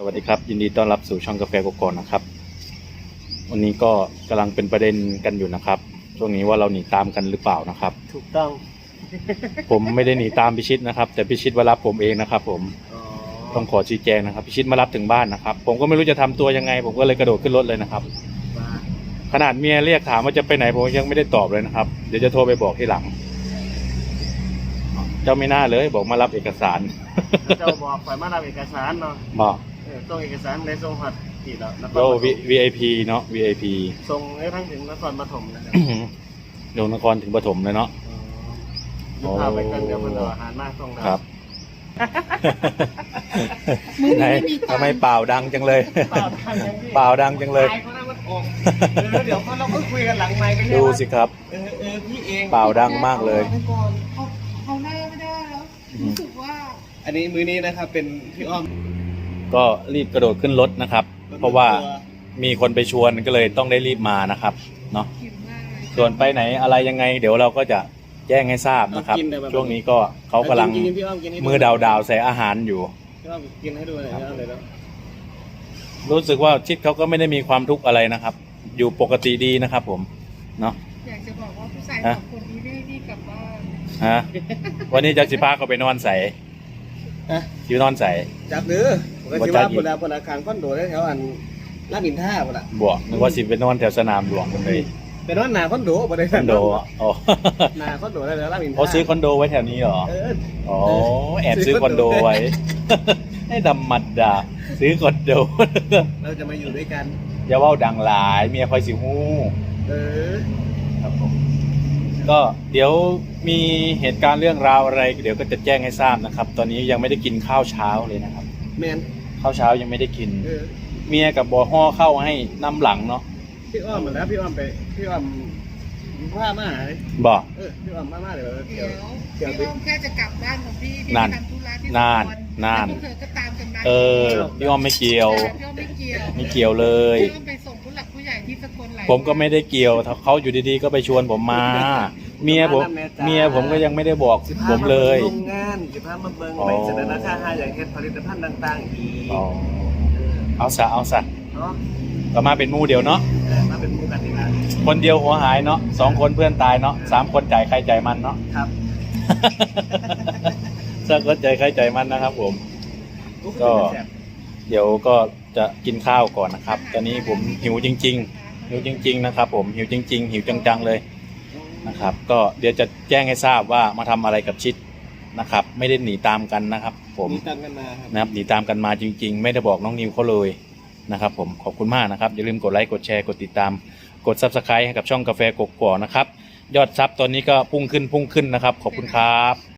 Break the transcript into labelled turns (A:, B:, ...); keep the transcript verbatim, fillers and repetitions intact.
A: สวัสดีครับยินดีต้อนรับสู่ช่องกาแฟกกอกนะครับวันนี้ก็กำลังเป็นประเด็นกันอยู่นะครับช่วงนี้ว่าเราหนีตามกันหรือเปล่านะครับ
B: ถูกต้อง
A: ผมไม่ได้หนีตามพิชิตนะครับแต่พิชิตมารับผมเองนะครับผมต้องขอชี้แจงนะครับพิชิตมารับถึงบ้านนะครับผมก็ไม่รู้จะทำตัวยังไงผมก็เลยกระโดดขึ้นรถเลยนะครับขนาดเมียเรียกถามว่าจะไปไหนผมยังไม่ได้ตอบเลยนะครับเดี๋ยวจะโทรไปบอกที่หลังเจ้าไม่น่าเลยบอกมารับเอกสาร
B: เจ้าบอกฝ่ายมารับเอกสารเนาะ
A: บอก
B: เออส่งเอกสารในส่งหัดที่แล้วนคร
A: ก็
B: ปฐม
A: วีไอพีเนาะ วี ไอ พี
B: ส่งให้ทั้งถึงนครปฐมนะครับ
A: ลงนครถึงปฐมเลยเนาะ
B: อ๋อพาไปกันเดี๋ยวมันเอาอาหารมาส่งเรา
A: ครับ ไหนทำไมเปล่าดังจังเลย
B: เปล่าทางยังพี่
A: เปล่าดังจังเลย
B: ตายเขาได้มันออกเออเดี๋ยวเขาเราก็คุยกันหลังไมค์กัน
A: ดูสิครับ
B: เออเออพี่เอง
A: เปล่าดังมากเลย
B: อาไปก่อน
C: เขาเขาหน้าไม่ได้แล้วรู้สึกว่า
B: อันนี้มื้อนี้นะครับเป็นพี่อ้อม
A: ก็รีบกระโดดขึ้นรถนะครับ เพราะว่ามีคนไปชวนก็เลยต้องได้รีบมานะครับเนาะ
C: หิวมากเลย
A: ส่วนไปไหนอะไรยังไง เดี๋ยวเราก็จะแจ้งให้ทราบนะครับ ช่วงนี้ก็เขากำลัง
B: กินพี่อ้อมกินให้ดู
A: มือดาวดาวๆใส่อาหารอยู่
B: พี่อ้อมกินให้ดูหน่อยพี่อ้อมเลยแล้ว
A: รู้สึกว่าชิดเขาก็ไม่ได้มีความทุกข์อะไรนะครับ อยู่ปกติดีนะครับ ผมเนาะ
C: อยากจะบอกว่าผู้ชายสองคนนี้ไม่ให้พี่กลับบ้าน
A: ฮะวันนี้จักสิพาเขาไปนอนใส่
B: ฮะ
A: คิวนอนใส่
B: จับหรือผมก็คิดว่าพลาพลอาคารคอนโดได้แถวอันลาดอินท่าพลา
A: บวกนึกว่าสิไปนอนแถวสนามหลวงกันเลย
B: เป็นว่านาคอนโดบ่ได้
A: คอนโดอ๋อ
B: นาคอนโดได้แล้วลาดอินท่า
A: เขาซื้อคอนโดไว้แถวนี้เหรอ
B: เออ
A: อ๋อแอบซื้อคอนโดไว้ ให้ดำมัดดาซื้อคอนโด
B: เราจะมาอยู่ด้วยกัน
A: อย่าว่าดังหลายเมียคอยสิฮู้
B: เออ
A: ครับผมก็เดี๋ยวมีเหตุการณ์เรื่องราวอะไร เดี๋ยวก็จะแจ้งให้ทราบนะครับ ตอนนี้ยังไม่ได้กินข้าวเช้าเลยนะครับ
B: แมน
A: ข้าวเช้ายังไม่ได้กิน
B: เออ
A: เมียกับบอห่อเข้าให้น้ำหลังเนาะ
B: พี่อ้อมเหมือนแล้วพี่อ้อมไปพี่อ้อมว่ามาเลย
A: บอก
B: เออพี่อ้อมมามาเลย
C: เดี๋
B: เกี่
C: ย
B: ยว ว
C: พี่อ้อมแค่จะกลับบ้านของพี่พี่
A: นั่น
C: ไปทำธุระที่
A: นั่น
C: สกล
A: นั่น
C: แล้วพวกเธอก็ตามกันมา
A: เออพี่อ้อมไม่เกี่ยว
C: แต่พี่อ้อมไม่เกี่ยว
A: ไม่เกี่ยวเลย
C: พี่อ้อมไปส่งผู้หลักผู้ใหญ่ที่สกลหลาย
A: ผมก็ไม่ได้เกี่ยวเขาอยู่ดีๆก็ไปชวนผมมา เมียผมเมียผมก็ยังไม่ได้บอกผมเลย
B: โรงงานสิพามาเบิ่งไปเสนอราคาหาอย่างเฮ็ดผลิตภัณฑ์ต่างๆอีก
A: อ๋อเอาซะเอาซะ
B: เนาะ
A: ก็มาเป็นหมู่เดียวเนาะ
B: เออมาเป็นหมู่กันนี่ล่ะ
A: คนเดียวหัวหายเนาะสองคนเพื่อนตายเนาะสามคนจ่ายใครจ่ายมันเนาะ
B: ครับ
A: สักคนจ่ายใครจ่ายมันนะครับ ผม ก็ เดี๋ยวก็จะกินข้าวก่อนนะครับ ตอนนี้ผมหิวจริง ๆ หิวจริง ๆ นะครับ ผมหิวจริง ๆ หิวจังๆเลยนะครับ ก็เดี๋ยวจะแจ้งให้ทราบว่ามาทำอะไรกับชิดนะครับ ไม่ได้หนีตามกันนะครับ ผม
B: มีตังกันมาครับ
A: นะครับหนีตามกันมาจริง ๆ ไม่ได้บอกน้องนิวเขาเลยนะครับ ผมขอบคุณมากนะครับอย่าลืมกดไลค์กดแชร์กดติดตามกด ซับสไครบ์ ให้กับช่องกาแฟกกอกนะครับ ยอดซับตอนนี้ก็พุ่งขึ้นพุ่งขึ้นนะครับ ขอบคุณครับ